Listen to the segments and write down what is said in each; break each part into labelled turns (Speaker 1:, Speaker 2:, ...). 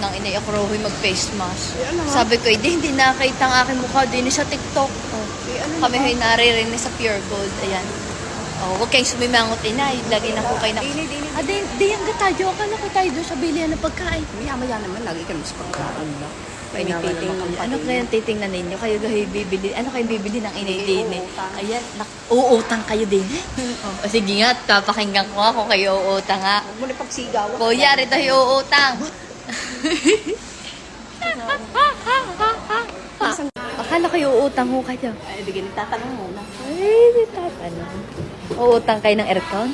Speaker 1: ng inay ako raw mag-face mask.
Speaker 2: ano nga?
Speaker 1: Sabi ko, hindi nakita ang aking mukha din sa TikTok. Oh.
Speaker 2: Ano
Speaker 1: Kami ho'y naririnig sa Pure Gold. Ayan. Oh, huwag kayong sumimangot, inay. Lagi na po kayo na... di yan ka tayo. Akala ko tayo doon sa bilihan ng pagkain.
Speaker 2: Maya-maya naman, lagi kami sa pagkain lang.
Speaker 1: Tinitingnan. Ano kaya titingnan ninyo? Kayo kayo bibili. Ano kayo bibili ng inay din? Ayan. Uutang kayo din. O sige nga, papakinggan ko nga kung kayo uutang nga.
Speaker 2: Huwag mo na pagsigaw.
Speaker 1: Kuya, rito yung uutang. Akala kayo uutang ho kayo.
Speaker 2: Ay, bigyan tatanong muna.
Speaker 1: Ay, di tatanong. Uutang kayo ng aircon?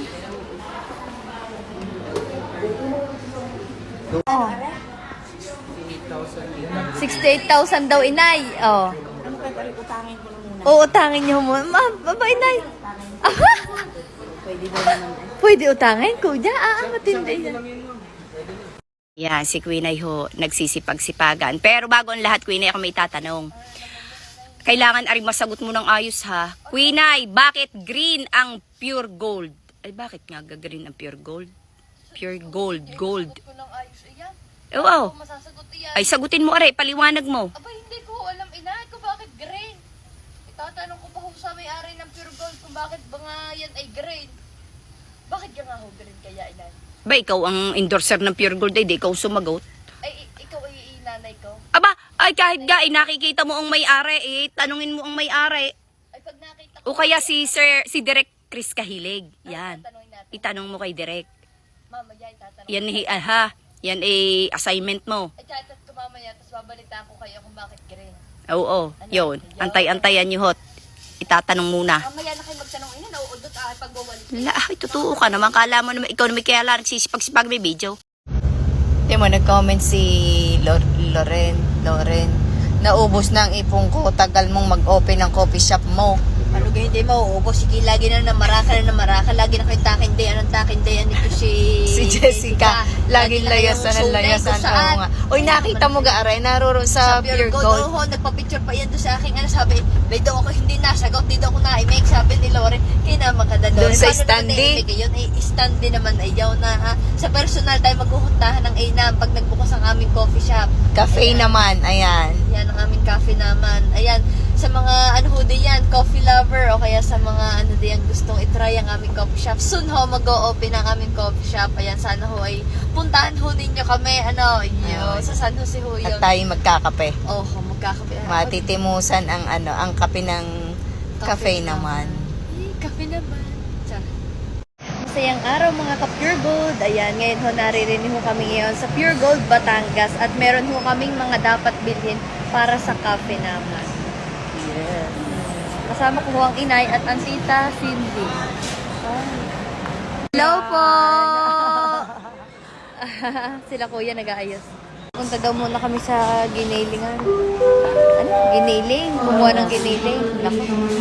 Speaker 1: Oh. 68,000 daw, inay. Oh.
Speaker 2: Ano kaya utangin ko lang muna?
Speaker 1: Uutangin niyo mo. Baba, inay.
Speaker 2: Pwede daw naman.
Speaker 1: Pwede utangin, kuya. Matindi yan.
Speaker 3: Yan, si Queen ay ho, nagsisipag-sipagan. Pero bago ang lahat, Queen ay ako may tatanong. Kailangan aring masagot mo ng ayos ha. Queen ay, bakit green ang pure gold? Ay, bakit nga green ang pure gold? Pure gold, gold. Oo. Ay, sagutin mo aray, paliwanag mo.
Speaker 1: Aba, hindi ko alam, inay, kung bakit green. Itatanong ko pa ho sa may-ari ng Pure Gold kung bakit ba nga yan ay green. Bakit yan nga ho green kaya, inay?
Speaker 3: Ba, ikaw ang endorser ng pure gold, ay di ikaw sumagot.
Speaker 1: Ay, ikaw ay inanay ko.
Speaker 3: Aba, ay kahit ga, nakikita mo ang may-ari, tanungin mo ang may-ari.
Speaker 1: Ay, pag nakita ko...
Speaker 3: O kaya si Direk Chris Kahilig. Yan.
Speaker 1: Tatanungin natin.
Speaker 3: Itanong mo kay Direk.
Speaker 1: Mamaya, itatanong.
Speaker 3: Yan, yan ay assignment mo.
Speaker 1: Ay, chatat ko mamaya, tapos babalitaan ko kayo kung bakit green.
Speaker 3: Oo, yun. Antay-antayan nyo hot. Itatanong muna.
Speaker 1: Mamaya na kayo magtanong, ina, nauudot pagbawalik.
Speaker 3: Wala, ay totoo ka naman. Kala mo naman, ikaw naman kaya lang nagsisipag-sipag may video.
Speaker 1: Di mo, nag-comment si Loren. Naubos na ang ipong ko. Tagal mong mag-open ng coffee shop mo. Ano ba hindi mauubos? Sige, lagi na maraka. Lagi na kayo takindayan. Anong takindayan nito si
Speaker 3: Jessica. Laging layasan ang layasan. Oo nga. Uy, nakita mo ga aray, naroon sa Pure Gold.
Speaker 1: Oo, nagpa-picture pa yan doon sa aking sabi, may daw ako hindi nasagot, di daw ako na-make, sabi ni Loren, kaya naman ka
Speaker 3: Doon sa standee.
Speaker 1: Yun, standee naman ay yaw na sa personal tayo maghuhuntahan ng A-Nam pag nagbukas ang aming coffee shop.
Speaker 3: Cafe naman, ayan.
Speaker 1: Yan ang aming cafe naman. Ayan, sa mga ano ho diyan, coffee lover o kaya sa mga ano diyan gustong i-try ang aming coffee shop. Soon ho mag-o-open ang aming coffee shop. Ayan, sana ho ay puntahan ho ninyo kami. Sa San Jose ho yun.
Speaker 3: At tayo magkakape.
Speaker 1: Magkakape.
Speaker 3: Matitimusan ang kape ng cafe naman.
Speaker 1: Kape naman. Masayang araw mga ka-Pure Gold. Ayan, ngayon ho naririnig ho kami ngayon sa Pure Gold, Batangas. At meron ho kaming mga dapat bilhin para sa cafe naman. Yes. Kasama ko ho ang inay at ang tita Cindy. Hello po! Sila kuya nag-aayos. Punta daw muna kami sa ginilingan. Ano? Giniling? Kumuha ng giniling. Naku.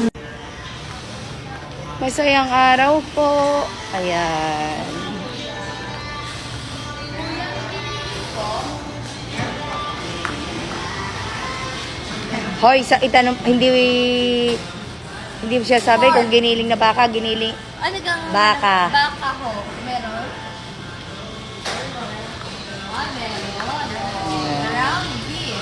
Speaker 3: Masayang araw po. Ayan. Hoy, itanong, hindi mo siya sabi kung giniling na baka, giniling.
Speaker 1: Ano gang
Speaker 3: Baka.
Speaker 1: Baka ho. Meron? Ground beef.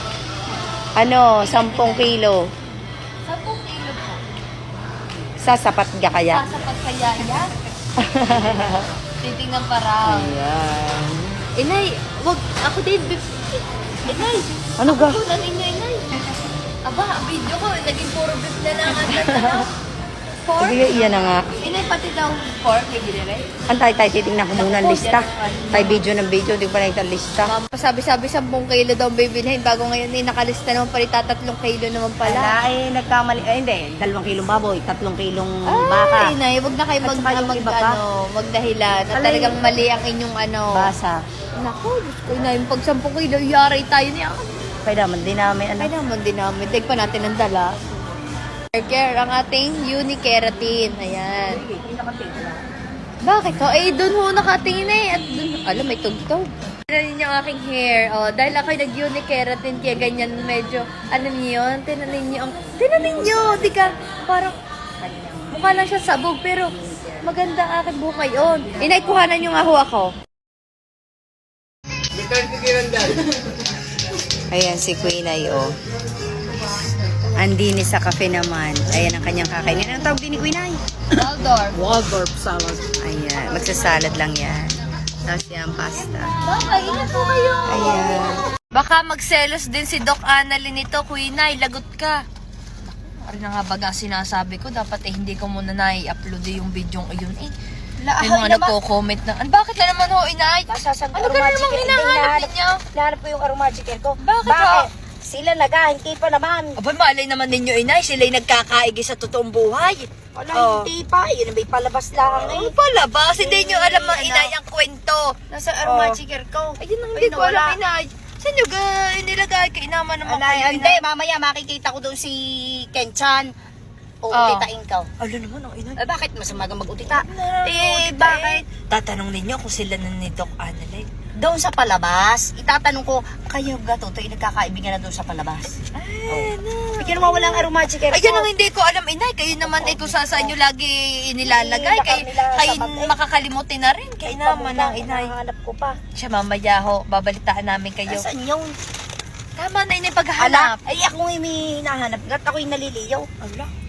Speaker 3: 10 kilo.
Speaker 1: 10 kilo po.
Speaker 3: Sasapat ka kaya?
Speaker 1: Sasapat kaya yan? Titingnan pa raw.
Speaker 3: Ayan.
Speaker 1: Inay, wag. Ako din. Inay.
Speaker 3: Ano ga?
Speaker 1: Ako na ninyo, inay. Aba, ang video ko, naging puro beef na lang. Pork?
Speaker 3: Sige, iyan na nga.
Speaker 1: Inay, pati daw pork, may ginire.
Speaker 3: Antay tayo, titignan ko muna ang lista. Tayo video ng video, hindi ko pa nakita ang lista.
Speaker 1: Sabi-sabi 10 kilo daw ang bibilhin bago ngayon nakalista naman pala 3 kilo naman pala.
Speaker 3: Ay, nagkamali. Ay, hindi. 2 kilong baboy, 3 kilong baka.
Speaker 1: Ay, Inay, wag na kayo magdahilan. Na talagang mali ang inyong
Speaker 3: Basa.
Speaker 1: Naku, Diyos ko, Inay, pag 10 kilo, yari tayo niya.
Speaker 3: Kaya naman din namin.
Speaker 1: Ay naman din namin. Dig pa natin ang dala. Care ang ating Unikeratin. Ayan. Bakit ho? Eh, dun ho nakatingin eh. At dun, alam, may tugtog. Tignan niyo ang aking hair. Dahil ako'y nag-Unikeratin, kaya ganyan medyo, ano niyo yun? Tinanin niyo, di ka, parang, mukha lang siya sabog, pero maganda ang aking buhok ngayon. Inay, kuhanan niyo nga ho ako.
Speaker 4: Return to Kirandal.
Speaker 3: Ayan si Queen ay oh. Andini sa cafe naman. Ayan ang kanyang kakainin. Anong tawag din ni Queen ay?
Speaker 1: Waldorf.
Speaker 2: Waldorf salad.
Speaker 3: Ayan, magsasalad lang yan. Tapos yan, pasta.
Speaker 1: Bakit? Ingat po kayo.
Speaker 3: Ayan.
Speaker 1: Baka magselos din si Doc Annalyn nito, Queen ay, lagot ka. Ano na nga baga sinasabi ko, dapat hindi ko muna na-i-upload yung video yun eh. May mga nagko-comment na, bakit na naman ho, inay?
Speaker 2: Sasang
Speaker 1: Ano ka na namang hinahanap ninyo?
Speaker 2: Hinahanap ko yung aromagical ko.
Speaker 1: Bakit ho?
Speaker 2: Sila naghahinti pa naman.
Speaker 1: Aba, malay naman ninyo, inay, sila'y nagkakaigi sa totoong buhay.
Speaker 2: Wala, hindi pa. Yun, may palabas lang
Speaker 1: Ano
Speaker 2: eh.
Speaker 1: pala ba? Hindi nyo alam ang inay ang kwento.
Speaker 2: Nasa aromagical ko.
Speaker 1: Ayun ang hindi ko alam, inay. Saan nyo inilagay? Kainama naman kayo,
Speaker 2: Hindi, mamaya makikita ko doon si Kenchan. O,
Speaker 1: Oh.
Speaker 2: utitain ka.
Speaker 1: Ano naman ang inay?
Speaker 2: Bakit masama ka mag-utita?
Speaker 1: Bakit? Tatanong ninyo kung sila na ni Doc Annalyn.
Speaker 2: Doon sa palabas, itatanong ko, kayo ga to, nagkakaibigan na doon sa palabas.
Speaker 1: Ay, no.
Speaker 2: Bigyan mo walang aromagical ko.
Speaker 1: Ayan ang hindi ko alam, inay. Kayo naman ay kung saan nyo lagi inilalagay. Kayo makakalimutin na rin. Kayo naman ang inay.
Speaker 2: Hanap ko pa.
Speaker 1: Siya mamaya ho, babalitaan namin kayo.
Speaker 2: Nasaan yung...
Speaker 1: Tama na inay
Speaker 2: Ala,
Speaker 1: paghahanap.
Speaker 2: ay ako yung may hinahanap. At ako yung naliliyaw.
Speaker 1: Ala.